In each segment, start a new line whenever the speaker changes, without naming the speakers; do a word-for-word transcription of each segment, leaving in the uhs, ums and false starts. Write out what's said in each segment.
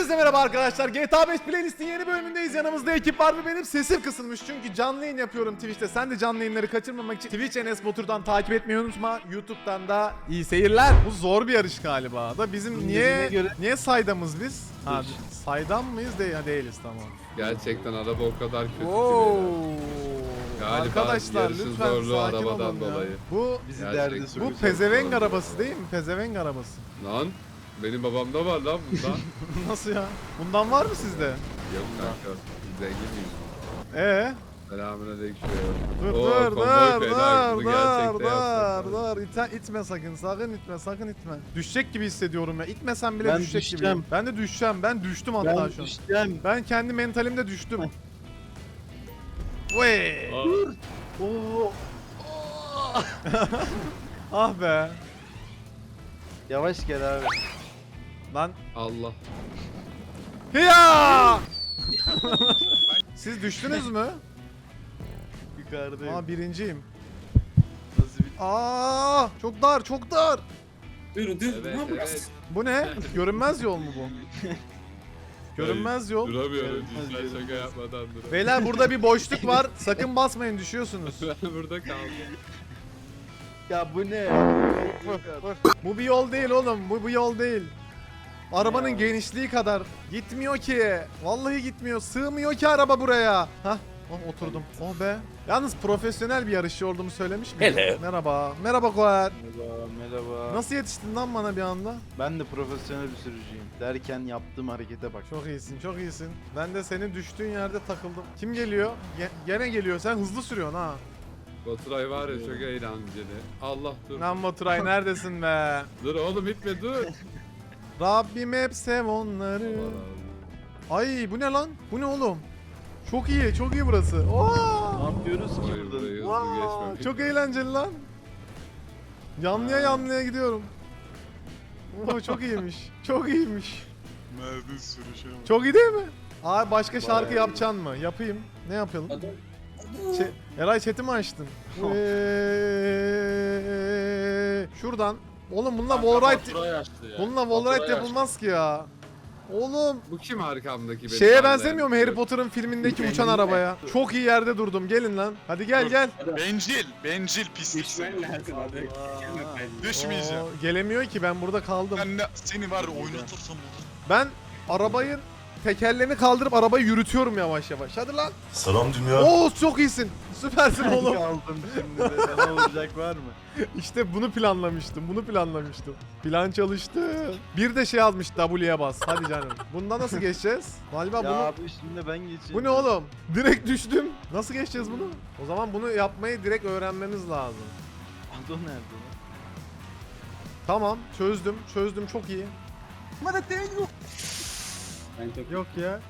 Hepinize merhaba arkadaşlar. G T A beş Playlist'in yeni bölümündeyiz. Yanımızda ekip var ve benim sesim kısılmış. Çünkü canlı yayın yapıyorum Twitch'te. Sen de canlı yayınları kaçırmamak için Twitch Enes Batur'dan takip etmeyi unutma. YouTube'dan da iyi seyirler. Bu zor bir yarış galiba da bizim niye
göre...
niye saydamız biz? Ha, saydam mıyız? De ya değiliz, tamam.
Gerçekten araba o kadar kötü
Oo.
ki. Galiba
Arkadaşlar
yarışın
lütfen
zorluğu
sakin
arabadan
olun ya.
dolayı.
Bu
Bizi
Gerçekten.
derde
bu
sokuyor.
pezevenk arabası değil mi? Pezevenk arabası.
Lan benim babamda var lan bundan.
Nasıl ya? Bundan var mı sizde?
Yok kanka. Zengin miyim?
Ee?
Selamünaleyküm.
Dur
Oo,
dur
konvoy
dur
fena,
dur
bunu
dur
gerçekte
dur
yapsak.
dur İte, itme sakın sakın itme sakın itme. Düşecek gibi hissediyorum ya. İtmesen bile
Ben
düşecek
düşeceğim.
gibi. Ben de düşeceğim. Ben düştüm hatta
Ben
şu an.
düşeceğim.
Ben kendi mentalimde düştüm. Vey.
Aa,
Oo.
Ah be.
Yavaş gel abi.
Lan.
Allah.
Hiya! Siz düştünüz mü?
Yukarıdayım.
Aa birinciyim.
Nasıl bir...
Aa çok dar çok dar.
Dur dur.
Evet evet.
Bu ne? Görünmez yol mu bu? Görünmez yol.
Duramıyorum.
Evet,
Cidden şaka yapmadan duramıyorum.
Beyler burada bir boşluk var. Sakın basmayın, düşüyorsunuz.
Ben burada kaldım.
Ya bu ne?
Bu bir yol değil oğlum. Bu bir yol değil. Arabanın genişliği kadar gitmiyor ki. Vallahi gitmiyor. Sığmıyor ki araba buraya. Hah. Oh, oturdum. Oh be. Yalnız profesyonel bir yarışçı olduğumu söylemiş miydim?
Hello.
Merhaba. Merhaba Koer.
Merhaba, merhaba.
Nasıl yetiştin lan bana bir anda?
Ben de profesyonel bir sürücüyüm. Derken yaptığım harekete bak.
Çok iyisin, çok iyisin. Ben de senin düştüğün yerde takıldım. Kim geliyor? Ge- gene geliyor. Sen hızlı sürüyorsun ha.
Baturay var ya çok eğlenceli. Allah dur.
Lan Baturay neredesin be?
Dur oğlum itme dur.
Rabbim hep sev onları.
Allah
Ay bu ne lan? Bu ne oğlum? Çok iyi, çok iyi burası. Oo!
Ne yapıyoruz ki
Hayır,
burada?
burayı hızlı
Vaa,
geçmemek.
çok eğlenceli lan. Yanlıya yanlıya gidiyorum. Oo, çok iyiymiş. Çok iyiymiş.
Nerede sürüşe bak.
Çok iyi değil mi? Abi başka şarkı
Bayağı iyi.
yapacaksın mı? Yapayım. Ne yapalım?
Adam.
Ç- Eray chat'i mi açtın? Eee, Şuradan. Oğlum bununla wallride bununla wallride yapılmaz ki ya. Oğlum
Bu kim arkamdaki benim?
şeye
anlayan?
benzemiyor mu Harry Potter'ın filmindeki uçan arabaya? Çok iyi yerde durdum. Gelin lan. Hadi gel gel.
Bencil, bencil pislik
Düşmen
seni.
lazım abi.
Düşmeyeceğim.
Oo, gelemiyor ki, ben burada kaldım.
Ben de seni var ya oynatırsam olur.
Ben arabayı tekerlerini kaldırıp arabayı yürütüyorum yavaş yavaş. Hadi lan.
Selam dünya.
Oo çok iyisin. Süpersin
Ben
oğlum.
kaldım şimdi de. Sana olacak var mı?
İşte bunu planlamıştım. Bunu planlamıştım. Plan çalıştı. Bir de şey yazmış W'ye bas. Hadi canım. Bundan nasıl geçeceğiz? Galiba
Ya
bunu...
abi şimdi ben geçeyim.
Bu ne oğlum? Direkt düştüm. Nasıl geçeceğiz bunu? O zaman bunu yapmayı direkt öğrenmemiz lazım.
Ado nerede lan?
Tamam. Çözdüm. Çözdüm. Çok iyi.
Ben çok
Yok ya.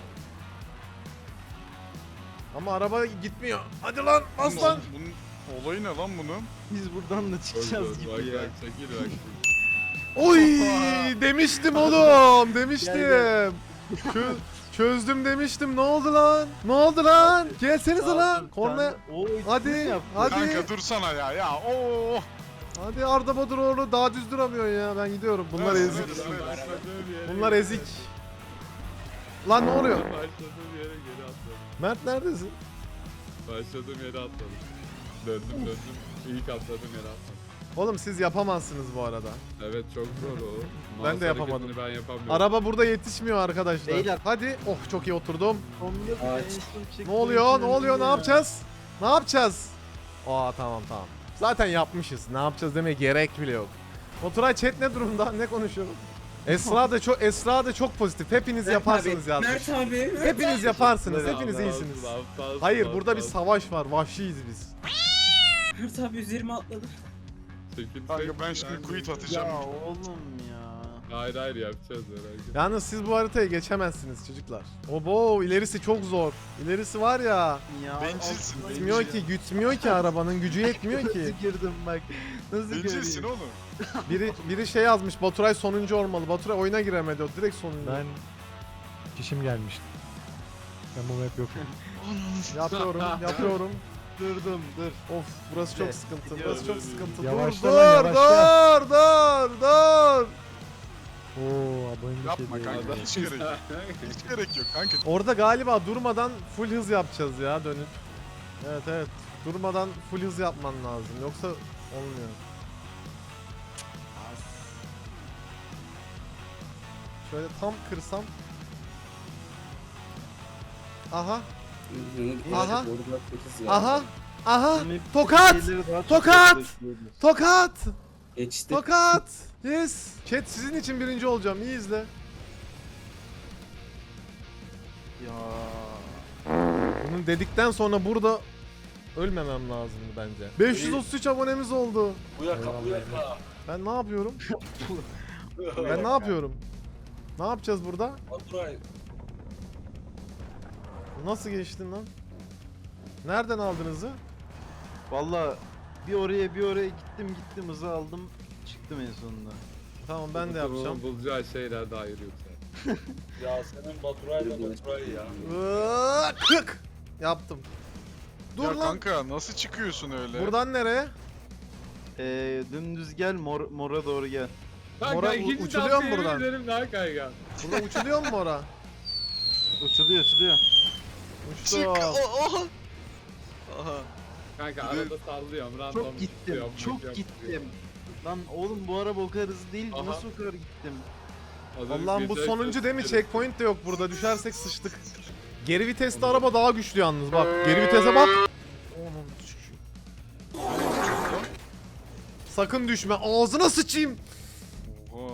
Ama araba gitmiyor. Hadi lan bas lan.
Bunun olayı ne lan bunun?
Biz buradan da
Dur,
çıkacağız
dur, bak,
gibi ya.
bak, çekil bak.
Oy demiştim oğlum. Demiştim.
Gel,
Çö- çözdüm demiştim. Ne oldu lan? Ne oldu lan? Gelsenize lan.
Kaldım,
Korna.
sen de- Oo,
Hadi,
ikisini yap.
hadi.
Kanka dursana ya ya. Oo.
Hadi Arda Baduroğlu daha düz duramıyor ya. Ben gidiyorum. Bunlar
Evet,
ezik.
evet, evet.
Başladığım yere
Bunlar
geri-
ezik. Lan ne oluyor?
Başladığım yere geri atladım.
Mert neredesin?
Başladığım yere atladım. Döndüm döndüm. İlk atladığım yere atladım.
Oğlum siz yapamazsınız bu arada.
Evet çok zor o.
Ben
Mouse
de yapamadım.
hareketini Ben yapamıyorum.
Araba burada yetişmiyor arkadaşlar.
Beyler.
Hadi. Oh çok iyi oturdum.
Sonunda
Ağaç.
en son
Ne
çektiğim
oluyor?
için
Ne oluyor? Ne
ya.
yapacağız? Ne yapacağız? Aa tamam tamam. Zaten yapmışız. Ne yapacağız demeye gerek bile yok. Oturay chat ne durumda? Ne konuşuyoruz? Esra da çok Esra da çok pozitif. Hepiniz yaparsınız yazmış.
Mert abi. Mert
Hepiniz yaparsınız.
Allah
Hepiniz
Allah,
iyisiniz.
Allah, Allah,
Hayır
Allah,
burada bir
Allah.
savaş var. Vahşiyiz biz.
Mert abi üzerime atladı.
Çekil,
Kanka
çekil,
ben şimdi
ben-
quit
Ya
atacağım.
oğlum ya.
Hayır hayır yapacağız merak etme.
Yalnız siz bu haritayı geçemezsiniz çocuklar. Obo ilerisi çok zor. İlerisi var ya.
Ya
Bencilsin,
altına
Gitmiyor
bencil.
ki, gütmüyor ki arabanın gücü yetmiyor ki.
Nasıl girdim bak. Nasıl
Bencilsin
girdim?
oğlum.
Biri biri şey yazmış. Baturay sonuncu olmalı. Baturay oyuna giremedi. O direkt sonuncu.
Ben kişim gelmişti. Ben bu map yok.
Yapıyorum, yapıyorum.
Durdum dur.
Of burası çok
Evet,
sıkıntı.
gidiyoruz.
Burası çok sıkıntı.
Yavaşla
dur,
lan,
dur,
yavaşla.
dur, dur, dur.
Oo abonelik
Yapma
hediye.
kanka. Hiç gerek yok. Hiç gerek yok kanka.
Orada galiba durmadan full hız yapacağız ya dönüp. Evet evet. Durmadan full hız yapman lazım. Yoksa olmuyor. Şöyle tam kırsam. Aha. Aha. Aha. Aha. Tokat! Tokat! Tokat!
Geçti.
Tokat! Yes. Chat sizin için birinci olacağım. İyi izle.
Ya.
Bunu dedikten sonra burada ölmemem lazımdı bence. beş yüz otuz üç abonemiz oldu.
Bu yaka bu yaka.
Ben ne yapıyorum? Ben ne yapıyorum? Ne yapacağız burada?
Baturay.
Nasıl geçtin lan? Nereden aldın hızı?
Valla bir oraya bir oraya gittim gittim hızı aldım çıktım en sonunda.
Tamam ben de yapacağım.
Bulacağı şeyler daha ayrı yoksa.
Ya senin Baturay'la Baturay ya.
Iıı, Kık! Yaptım. Dur
Ya
lan.
kanka nasıl çıkıyorsun öyle?
Buradan nereye?
Ee, dümdüz gel mor, mora doğru gel.
Kanka
Mora-
ikinci
uçuluyor
şansı
mu buradan?
yemin ederim daha kaygan.
Burada uçuluyor mu ora?
Uçuluyor uçuluyor.
Uçtum.
oha. Aha.
Kanka
Bir de
arada sallıyorum. Random
Çok gittim
tutuyorum,
çok
bakıyorum,
gittim. Lan oğlum bu araba o kadar hızlı değil
Aha.
nasıl o kadar gittim?
Az önce
Allah'ım bu
geçen
sonuncu değil mi?
gösterdim.
Checkpoint de yok burada. Düşersek sıçtık. Geri vitesli araba daha güçlü yalnız bak. Geri vitese bak. Onun Sakın düşme. Ağzına sıçayım.
Oha.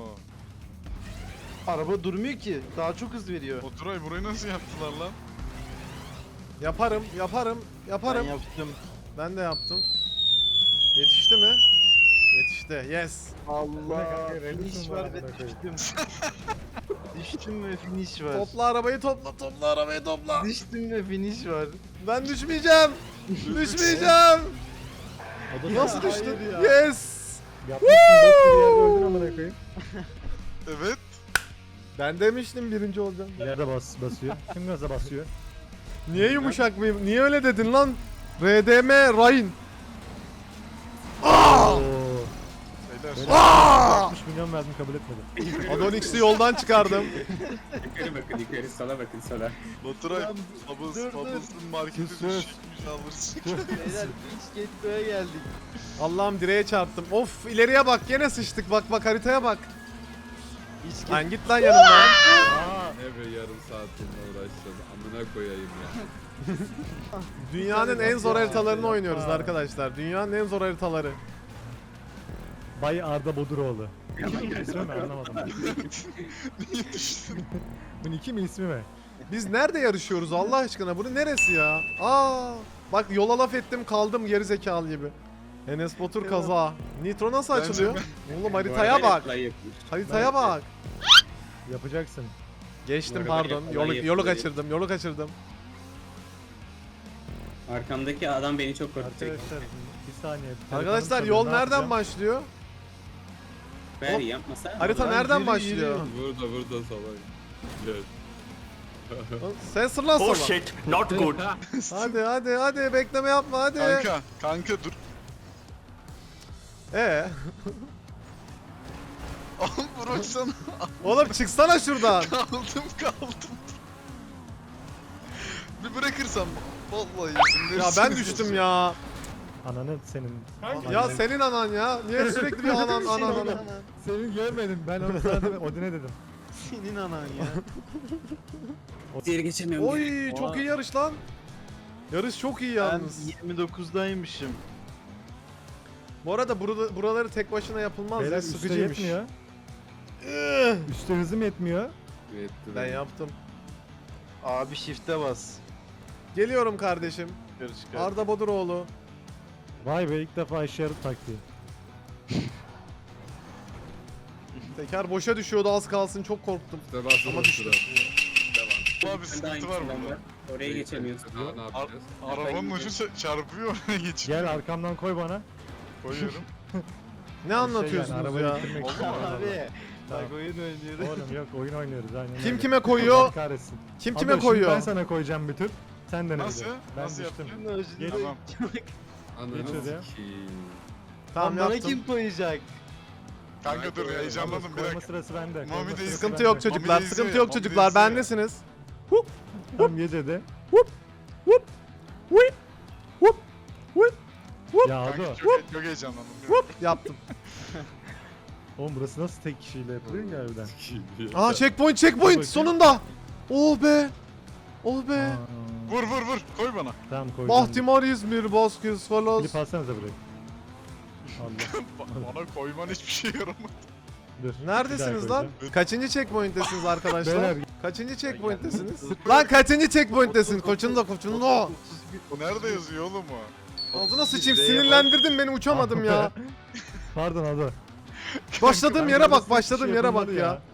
Araba durmuyor ki daha çok hız veriyor.
Oturay burayı nasıl yaptılar lan?
Yaparım, yaparım, yaparım.
Ben yaptım.
Ben de yaptım. Yetişti mi? Yetişti. Yes.
Allah
kanka,
finish
Redis'in
var
var
ve
amına koyayım.
düştüm. Düştüm ve finish var.
Topla arabayı topla, topla arabayı topla.
Düştüm ve finish var.
Ben düşmeyeceğim. Düşmeyeceğim.
O da
Nasıl
sana-
düştün?
Hayır ya.
Yes.
Yapmışsın bok gibi yerde öldün amına koyayım.
Evet.
Ben demiştim birinci olacağım.
Yerde bas basıyor. Kim gaza basıyor?
Niye yumuşak mıyım? Niye öyle dedin lan? R D M Ryan. Aa!
Oo.
Beyler.
Aa!
altmış milyon verdim kabul etmedi.
Adonix'i yoldan çıkardım.
Yukarı bakın yukarı sana bakın sana.
Baturay.
Dur,
Bubbles,
dur.
Bubbles'ın marketi
Sus, sus.
düşmüş alırsın.
Beyler hiç Getto'ya geldik.
Allah'ım direğe çarptım. Of ileriye bak gene sıçtık. Bak bak haritaya bak.
Hiç
Lan git lan yanımdan.
Aa,
Ne be yarım saatinde uğraşacağız. Amına koyayım ya.
Dünyanın en zor haritalarını oynuyoruz arkadaşlar. Dünyanın en zor haritaları.
Bay Arda Boduroğlu. İsmi mi anlamadım.
Niye düştün?
Bunun iki mi ismi mi?
Biz nerede yarışıyoruz Allah aşkına? Bunu neresi ya? Aa! Bak yola laf ettim kaldım geri zekalı gibi. Enes Batur kaza. Nitro nasıl
Bence
açılıyor? Oğlum haritaya bak. Haritaya bak.
Yapacaksın.
Geçtim
Bu arada
pardon.
kolay
Yolu, yolu
yapılıyor.
kaçırdım. Yolu kaçırdım.
Arkamdaki adam beni çok korkutacak.
Arkadaşlar bir saniye.
Arkadaşlar
Telefonum
yol
çalıyor, ne
nereden
yapacağım?
başlıyor?
Ver
Hop.
yapmasa.
Harita
Lan
nereden
yürü,
başlıyor?
Burada burada salak. Gel.
Sen sırlan sola.
not good.
Hadi hadi hadi bekleme yapma hadi.
Kanka, kanka dur.
Ee,
Oğlum bıraksana.
oğlum çıksana şuradan.
Kaldım kaldım. Bir bırakırsam vallahi izin
Ya ben düştüm ya.
Ananı senin.
Ya senin anan ya. Niye sürekli bir anan anan anan.
Senin görmedim. Ben onu sana Odin'e dedim.
Senin anan ya.
Diğeri geçemiyorum.
Oy çok iyi yarış lan. Yarış çok iyi
Ben
yalnız.
yirmi dokuzdaymışım.
Bu arada burada, buraları tek başına yapılmaz
Beyler
ya
üstte
sıkıcıymış.
yetmiyor.
Ih,
Üstte hızım yetmiyor.
Yetti
Ben
be.
yaptım.
Abi shift'e bas.
Geliyorum kardeşim.
Yukarı çıkar.
Arda Boduroğlu.
Vay be ilk defa işe yaradı taktiği.
Teker boşa düşüyordu az kalsın çok korktum.
İşte bas
Ama
ama
düştüm.
Abi
Ben de
sıkıntı var
aynısından
burada.
var. Oraya geçemiyorsun.
Daha ne yapacağız?
Arabanın ucu ça- çarpıyor oraya geçiyor.
Gel arkamdan koy bana.
Koyuyorum.
Ne anlatıyorsunuz
Şey yani, arabayı
ya?
bitirmek için.
Abi.
Tamam.
Bak oyun oynuyoruz.
Oğlum yok oyun oynuyoruz aynen.
Kim
öyle.
kime koyuyor?
Allah kahretsin.
Kim
Abla,
kime
şimdi
koyuyor?
Ben sana koyacağım bir tür. Sen de ne
Nasıl?
biliyorsun? Ben
Nasıl
düştüm.
yapacağım?
Geç.
Tamam.
Ananı
Geç hadi ya.
sikeyim.
Tamam
Lan bana
yaptım.
kim koyacak?
Kanka dur heyecanlandım bir
Koyma
dakika.
sırası bende.
Mami
koyma
de
sırası
Sıkıntı
bende.
yok çocuklar,
Mami de
sıkıntı
izliyor,
yok
Mami de
çocuklar,
izliyor.
bendesiniz.
Tamam ye dedi.
Whoop, whoop, whoop, whoop,
Ya
Kanka
Ado.
çok, çok heyecanlandım.
whoop yaptım.
Oğlum burası nasıl tek kişiyle yapılıyor ki harbiden?
Aa checkpoint, checkpoint
bakayım.
sonunda. Oh be. Oh be.
Aa,
Vur vur vur koy bana.
Tamam koydum.
Bahtimar İzmir, Bozkız falan.
Klip alsanıza burayı. Allah.
Ba- bana koyman hiçbir şey yaramadı.
Dur.
Neredesiniz
bir daha
lan?
koyacağım.
Kaçıncı checkpoint'tesiniz arkadaşlar?
Beyler.
Kaçıncı checkpoint'tesiniz? Lan kaçıncı checkpoint'tesin? Koçun da koçun da.
O nerede yazıyor oğlum o?
Ağzına sıçayım,
Z'ye bak.
sinirlendirdin beni, uçamadım ya.
Pardon Ado.
Başladığım yere bak, başladığım
Şey
yere bak
yapılmadı
ya.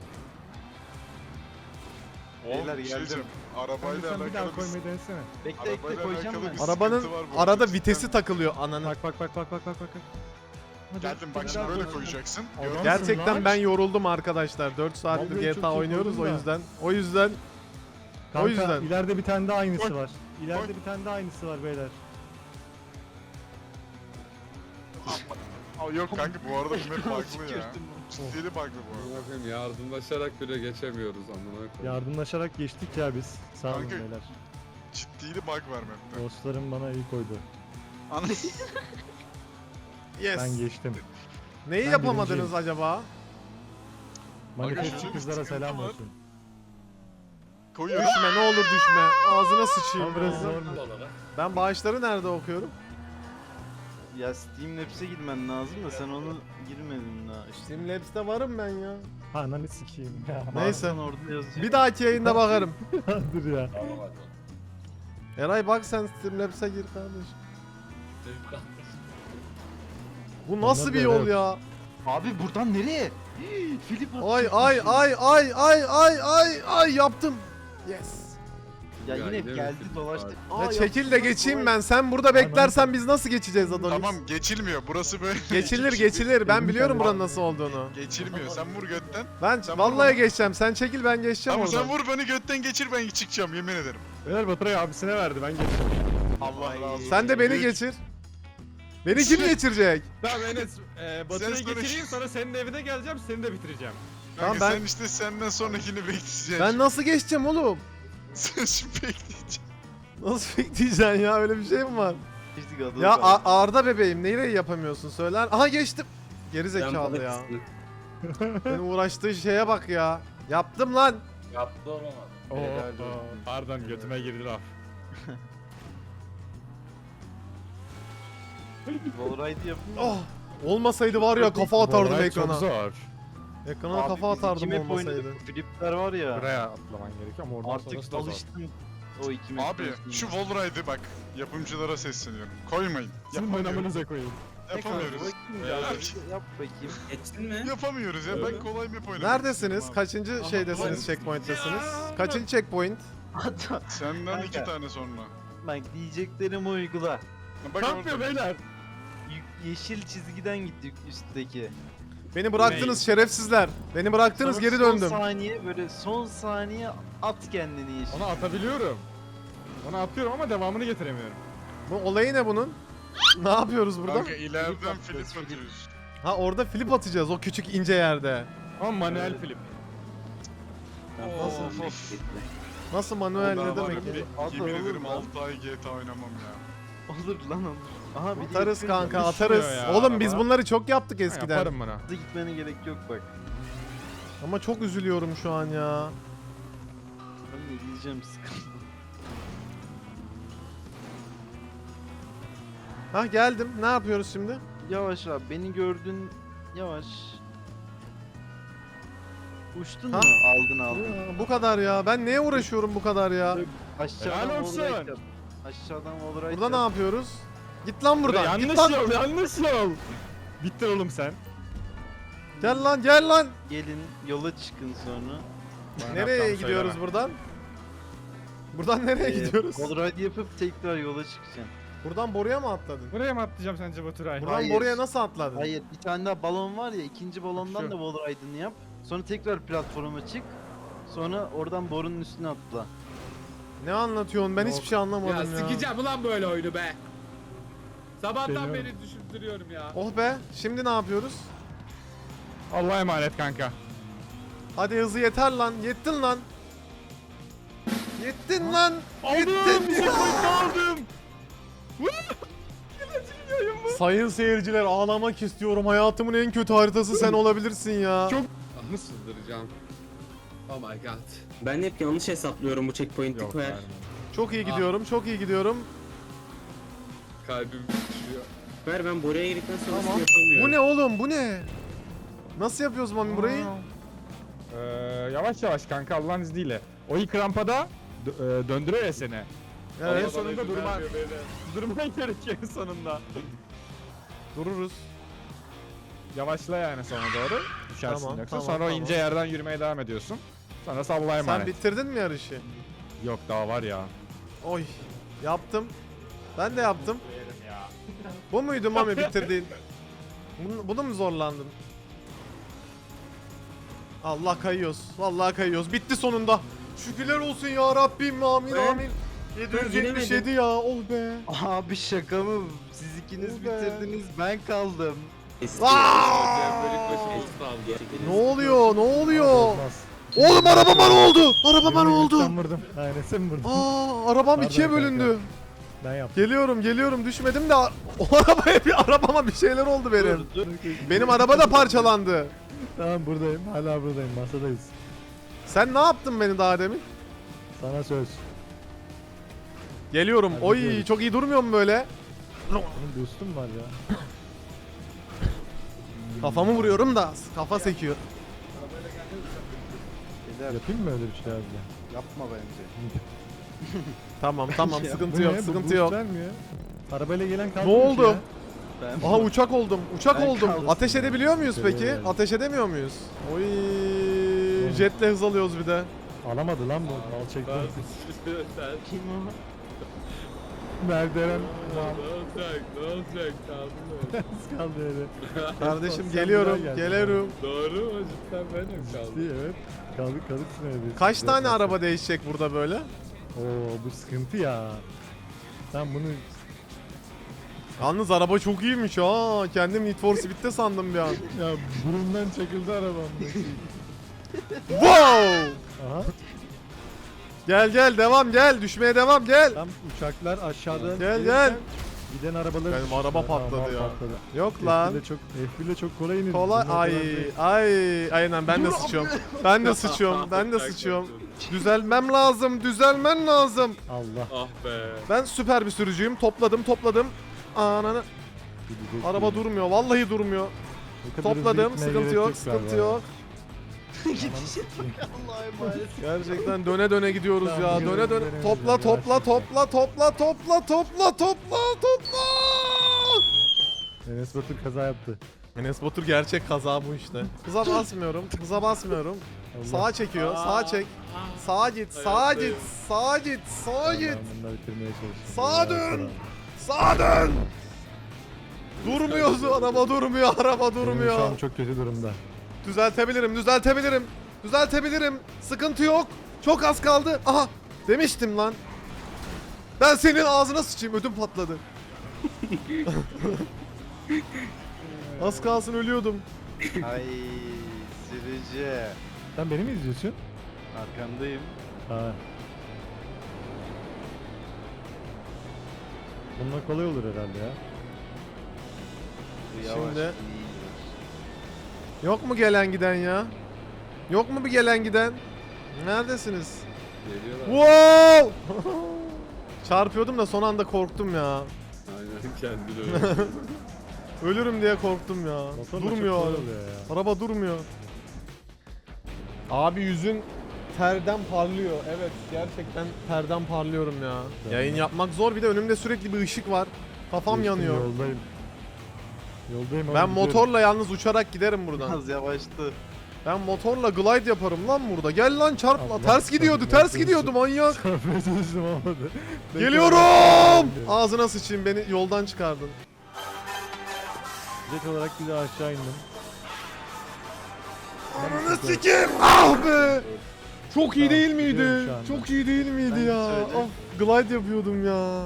Oğlum
Beyler,
bir şey
geldim.
diyeceğim.
Kanka
Arabayla
sen bir daha
alakalı bir
koymayı denesene.
Bekle bekle
Arabayla
koyacağım
alakalı
ben.
bir-
Arabanın
sıkıntı var bu
arada
arada.
vitesi takılıyor ananı.
Bak bak bak bak bak bak bak. Hadi.
Geldim bak şimdi böyle koyacaksın.
Adam-
Gördün mü?
Gerçekten
lan.
ben yoruldum arkadaşlar. dört saattir
Vallahi
G
çok
T A
iyi
oynuyoruz o
koydun da.
yüzden. O yüzden
Kanka,
yüzden.
ileride bir tane daha aynısı
Koy.
var. İleride
Koy.
bir tane daha aynısı var beyler.
Aa, yok kanka bu arada bu map bug'lı ya. Ciddili bug'lı bu arada.
Amına koyayım, yardımlaşarak bile geçemiyoruz amına koyayım.
Yardımlaşarak geçtik ya biz. Sağ olun
Kanka.
beyler.
Ciddili bug var map'te.
Dostlarım bana iyi koydu.
Ana-
yes.
Ben geçtim.
Neyi
ben
yapamadınız
birinciyim.
acaba?
Manifestçi
şöyle bir
kızlara
sıkıntı
selam
var.
olsun.
Koyuyorum.
Düşme, ne olur düşme. Ağzına sıçayım.
Ama biraz
ya.
zor mu?
Ben bağışları nerede okuyorum?
Ya Steam Labs'e girmen lazım da sen onu girmedin daha işte.
Steam Labs'te varım ben ya.
Ananı sikeyim ya.
Neyse.
Varsan orada yazıyor.
Bir dahaki yayında bakarım.
Dur ya.
Eray bak sen Steam Labs'e gir kardeş. Bu nasıl
Onlar
bir
da
yol
evet.
ya?
Abi buradan nereye? Filip
Ay ay ay ay ay ay ay ay yaptım. Yes.
Ya
Ya
yine
yine mi
geldi
Filip
dolaştı.
abi?
Ya çekil de geçeyim ben. Sen burada beklersen biz nasıl geçeceğiz Adonis?
Tamam geçilmiyor. Burası böyle.
Geçilir geçilir. Ben biliyorum buranın nasıl olduğunu.
Geçilmiyor. Sen vur götten.
Ben
Sen
vallahi
vur.
geçeceğim. Sen çekil, ben geçeceğim
Tamam sen
oradan.
vur beni götten geçir ben çıkacağım yemin ederim.
Beyler Baturay abisine verdi ben geçtim.
Allah razı olsun.
Sen de beni
Üç.
geçir. Beni kim geçirecek?
Tamam Enes, e, Batı'yı
Sen sonra-
geçireyim sonra senin evine geleceğim, seni de bitireceğim.
Kanka
Tamam, ben-
sen işte senden sonrakini bekleyeceksin.
Ben nasıl geçeceğim oğlum?
Sen şimdi bekleyeceksin.
Nasıl bekleyeceksin ya? Öyle bir şey mi var?
Geçtik adamı.
Ya A- Arda bebeğim, neyle yapamıyorsun söyler? Aha geçtim. Geri
Sen
zekalı
balık
ya.
mısın?
Benim uğraştığı şeye bak ya. Yaptım lan.
Yaptı olamaz.
Oo,
Helal
oo,
olsun.
pardon götüme girdi laf.
Wallride yapın.
Oh. Olmasaydı var ya kafa atardım
Vallahi
ekrana.
Çok zor.
Ekrana
Abi
kafa
biz iki
atardım
map
olmasaydı.
oynadık. Flipler var ya.
Buraya atlaman gerekiyor ama oradan
Artık
sonrası da zor.
alıştım. O iki map.
Abi şu Wallride'ı bak yapımcılara sesleniyorum. Koymayın.
Sizin
Yapamıyoruz.
oynamanıza koyayım.
Yapamıyoruz.
Ya, yap bakayım.
Geçtin mi?
Yapamıyoruz ya ben kolay map oynamak
Neredesiniz?
istiyorum abi.
Kaçıncı şeydesiniz, checkpoint'tesiniz? Kaçıncı checkpoint?
Hatta
Senden iki
Kanka.
tane sonra.
bak diyeceklerimi uygula.
Bak
Ne
orada.
yapıyor beyler?
Y- yeşil çizgiden gittik üstteki.
Beni bıraktınız şerefsizler. Beni bıraktınız,
Sonra
geri
Son
döndüm.
saniye böyle son saniye at kendini yeşil.
Onu atabiliyorum. Onu atıyorum ama devamını getiremiyorum.
Bu olayı ne bunun? Ne yapıyoruz burada?
Kanka ileriden
atacağız,
flip
flip.
atıyoruz.
Ha orada flip atacağız o küçük ince yerde.
Ama manuel flip.
Of of.
Nasıl manuel
Daha
ne
var
demek
ya,
ya?
At
Yemin
oğlum
ederim
lan.
altı ay G T A oynamam ya.
Olur lan olur. Aha bir de
Atarız
yakın
kanka,
ya.
atarız.
ya
Oğlum biz
araba.
bunları çok yaptık
Ha,
eskiden.
Yaparım bunu.
Hızlı gitmene gerek yok bak.
Ama çok üzülüyorum şu an ya.
Ben de diyeceğim sıkıntı.
Ha geldim. Ne yapıyoruz şimdi?
Yavaş abi beni gördün. Yavaş. Uçtun
Ha?
mu? Aldın aldın.
Ya, bu kadar ya. Ben neye uğraşıyorum bu kadar ya?
Aşağıdan
Helal olsun.
wallride yap. Aşağıdan wallride
Burada ne
yap.
yapıyoruz? Git lan buradan. Git
Yanlış
lan.
yol, yanlış yol. Bitti oğlum sen.
Gel lan, gel lan.
Gelin yola çıkın sonra.
Bana
Nereye
yapacağımı
gidiyoruz
söyleme.
buradan? Buradan nereye
Ee,
gidiyoruz?
Wallride yapıp tekrar yola çıkacaksın.
Buradan boruya mı atladın?
Buraya mı atlayacağım sence Baturay?
Buradan
Hayır.
boruya nasıl atladın?
Hayır bir tane daha balon var ya ikinci balondan
Şu.
da wallride'ını yap. Sonra tekrar platforma çık. Sonra oradan borunun üstüne atla.
Ne anlatıyorsun? Ben
Ne
hiçbir
oldu?
şey anlamadım
Ya
ya.
sikeceğim ulan böyle oyunu be. Sabahtan
Deniyorum.
beri düşündürüyorum ya.
Oh be. Şimdi ne yapıyoruz?
Allah'a emanet kanka.
Hadi hızı yeter lan. Yettin lan. Yettin lan.
Aldım.
Yettin.
Checkpoint aldım.
Sayın seyirciler ağlamak istiyorum. Hayatımın en kötü haritası sen olabilirsin ya.
Çok-
Ah, sızdıracağım. Oh my god.
Ben hep yanlış hesaplıyorum bu checkpoint'i
Yok
koyar.
vermem.
Çok iyi gidiyorum. Çok iyi gidiyorum.
Kalbim düşüyor.
Ver ben buraya girdikten sonra
Tamam.
yapamıyorum.
Bu ne oğlum? Bu ne? Nasıl yapıyoruz Mami burayı?
Ee, yavaş yavaş kanka Allah'ın izniyle. O ilk rampada dö- e, döndürüyor ya seni.
Evet.
En sonunda
Bana izin
durma-
vermiyor beni.
Durman gerekiyor en sonunda.
Dururuz.
Yavaşla yani sonra doğru. Düşersin
Tamam,
yoksa.
tamam,
sonra
tamam.
o ince yerden yürümeye devam ediyorsun. Sonra Allah'a
Sen
emanet.
bitirdin mi yarışı?
Yok daha var ya.
Oy. Yaptım. Ben de yaptım. Bu muydu Mami bitirdiğin? Bunu, bunu mu zorlandın? Allah kayıyoruz. Vallahi kayıyoruz. Bitti sonunda. Şükürler olsun ya Rabbim. Amin
Ben-
amin. yedi yüz yetmiş yedi ya. Oh be.
Abi şaka mı? Siz ikiniz
Ol be.
bitirdiniz, ben kaldım.
Eski.
Aa!
Cembelik başı olsun aldı.
Ne oluyor? Ne oluyor?
Olmaz.
Oğlum arabama ne oldu? Arabama ne oldu?
Sen vurdum. Aynen sen vurdun.
Aa, arabam
Pardon
ikiye
kanka.
bölündü.
Ben yaptım.
Geliyorum, geliyorum. Düşmedim de a- o arabaya bir arabama bir şeyler oldu benim.
Dur, dur.
Benim araba da parçalandı.
Tamam buradayım. Hala buradayım. Masadayız.
Sen ne yaptın beni daha demin?
Sana söz.
Geliyorum.
Hadi
Oy,
gidiyoruz.
çok iyi durmuyor mu böyle?
Benim boostum var ya.
Kafamı vuruyorum da kafa sekiyor.
Beyler,
Yapayım mı öyle bir şey abi?
yapma bence.
Tamam, tamam.
Ya,
Sıkıntı
Bu
yok,
ne? Bu
sıkıntı
boost
yok.
vermiyor. Arabayla gelen kaldı
Ne
mı ki
oldu?
ya?
Ben
Aha uçak oldum. Uçak
Ben
oldum.
kaldım.
Ateş edebiliyor muyuz
Şöyle
peki?
yani.
Ateş edemiyor muyuz? Oy, jetle hız alıyoruz bir de.
Alamadı lan bu. Al çekti.
Sen
kim o?
Merdiven.
ne olacak? Ne olacak? Kaldım öyle.
Az kaldı öyle.
Kardeşim
Sen
geliyorum,
bir daha gel.
geliyorum.
Doğru mu? Cidden benim
İyi,
kaldım.
evet. Kaldık kalıksın öyle.
Kaç tane
Biraz-
araba değişecek burada böyle?
Oo bu sıkıntı ya. Sen bunu
Yalnız araba çok iyiymiş ha. Kendim Need for Speed'de sandım bir an.
ya burundan çakıldı arabam.
Wow!
Aha.
Gel gel devam gel. Düşmeye devam gel.
Tam uçaklar aşağıdan
Gel,
gelirken
gel.
Giden arabalar
Benim araba patladı ya. Yok
F
lan.
bir de çok F bir de çok kolay inildi.
Kolay.
Bizim o
Ay
kadar değil.
ay. Aynen ben de sıçıyorum. Ben de sıçıyorum. Ben de sıçıyorum. Düzelmem lazım. Düzelmen lazım.
Allah.
Ah be.
Ben süper bir sürücüyüm. Topladım topladım. Ananı.
Gidecek
Araba
değil.
durmuyor. Vallahi durmuyor.
Bu kadar hızlı
Topladım.
gitmeye
Sıkıntı
gerek
yok.
galiba
Sıkıntı
ya.
yok.
Allah'a emanet.
Gerçekten döne döne gidiyoruz ya.
Tamam,
Döne
gidelim,
döne.
gidelim,
Topla
gidelim.
topla
Yavaş
topla topla topla topla topla topla.
Enes Batur kaza yaptı.
Enes Batur gerçek kaza bu işte. Hıza basmıyorum. Hıza basmıyorum.
Allah.
Sağa çekiyor. Sağa çek. Sağa git. Sağa git. Sağa git. Sağa git.
Ben bunları bitirmeye çalıştım.
Sağa
Ya,
dön.
sana.
Sağa dön. Durmuyoruz. Araba durmuyor. Araba
Benim şu
durmuyor.
an çok kötü durumda.
Düzeltebilirim. Düzeltebilirim. Düzeltebilirim. Sıkıntı yok. Çok az kaldı. Aha. Demiştim lan. Ben senin ağzına sıçayım. Ödüm patladı. Az kalsın ölüyordum.
Ay sürücü.
Sen beni mi izliyorsun?
Arkandayım.
Ha. Bununla kolay olur herhalde ya.
Bu yavaş
Şimdi-
değil.
Yok mu gelen giden ya? Yok mu bir gelen giden? Neredesiniz?
Geliyorlar.
Wow! Çarpıyordum da son anda korktum ya.
Aynen kendini öyle.
Ölürüm diye korktum ya.
Motorla çok
Durmuyor.
kolay oluyor ya.
Araba durmuyor. Abi yüzün terden parlıyor. Evet gerçekten terden parlıyorum ya.
Tamam.
Yayın yapmak zor, bir de önümde sürekli bir ışık var. Kafam
Geçtim,
yanıyor.
Yoldayım. Yoldayım ama
Ben
gidiyorum.
motorla yalnız uçarak giderim buradan.
Biraz yavaştı.
Ben motorla glide yaparım lan burada. Gel lan çarp.
Allah
Ters gidiyordu,
Allah
ters gidiyordu manyak.
Çarpmaya çalıştım olmadı.
Geliyorum. Ağzına sıçayım, beni yoldan çıkardın.
Jet olarak bir daha aşağı indim.
Ananı sikeyim. Ah be. Çok iyi
Tamam,
değil miydi?
gidiyorum şu anda.
Çok iyi değil miydi
Ben
ya?
söyle.
Ah, glide yapıyordum ya.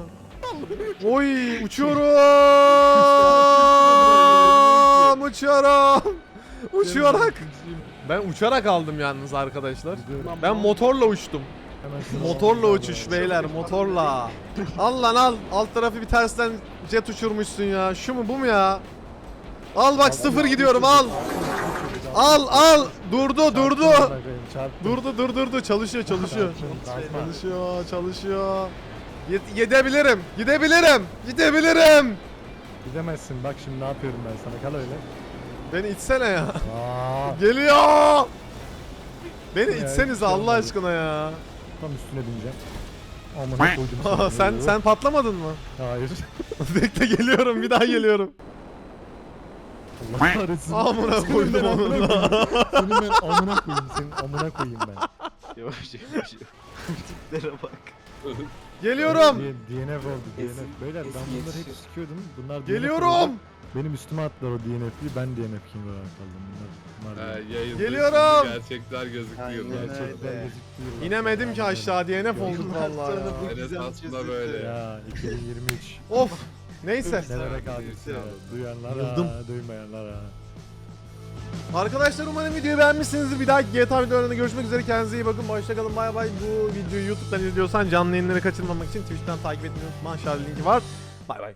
Oy uçuyorum. Uçuyorum. Uçarak. Ben uçarak aldım yalnız arkadaşlar. Ben motorla uçtum.
Hemen
Motorla uçuş beyler, motorla. Al lan al. Alt tarafı bir tersten jet uçurmuşsun ya. Şu mu bu mu ya? Al bak sıfır gidiyorum al. Al al. Durdu durdu.
Çarptım.
Durdu dur durdu. Çalışıyor çalışıyor.
Çarptım.
Çalışıyor çalışıyor. Ye- Gidebilirim. Gidebilirim. Gidebilirim.
Gidemezsin bak şimdi ne yapıyorum ben sana kal öyle.
Beni itsene ya.
Aa,
Geliyor. Beni
Ya,
itsenize
hiç
Allah
olmadı.
aşkına ya.
tam üstüne bineceğim. Amına koydum.
Aa, sen sen patlamadın mı?
Hayır.
Bekle geliyorum bir daha geliyorum.
Allah kahretsin.
Amına
Senin
koydum
ben
onu.
amına koyayım. Senin ben amına koyayım. Senin amına koyayım ben.
Yavaş yavaş. Tiplere bak.
Geliyorum.
D- DNF oldu D N
Eski-
F. Beyler ben
eski
bunları hep
yetişiyor.
sikiyordum. Bunlar D N F
Geliyorum.
oldu. Benim üstüme attılar o D N F'yi. Ben D N F King olarak kaldım. Bunlar, bunlar
Ee, yayında
Geliyorum.
şimdi gerçekler gözüktü
Aynen
yıllar.
öyle.
gerçekten gözüktü.
İnemedim ki aşağı D N F olduk
Yıllar
vallahi
sonra
ya.
bu
Enes
güzel
aslında
çözüldü.
böyle.
Ya iki bin yirmi üç.
Of. Neyse.
Nelere kaldık ya. Duyanlara,
Yıldım.
duymayanlara.
Arkadaşlar umarım videoyu beğenmişsinizdir. Bir dahaki G T A videolarında görüşmek üzere. Kendinize iyi bakın. Hoşçakalın. Bay bay. Bu videoyu YouTube'dan izliyorsan canlı yayınları kaçırmamak için Twitch'ten takip etmeyi unutma. Aşağıda linki var. Bay bay.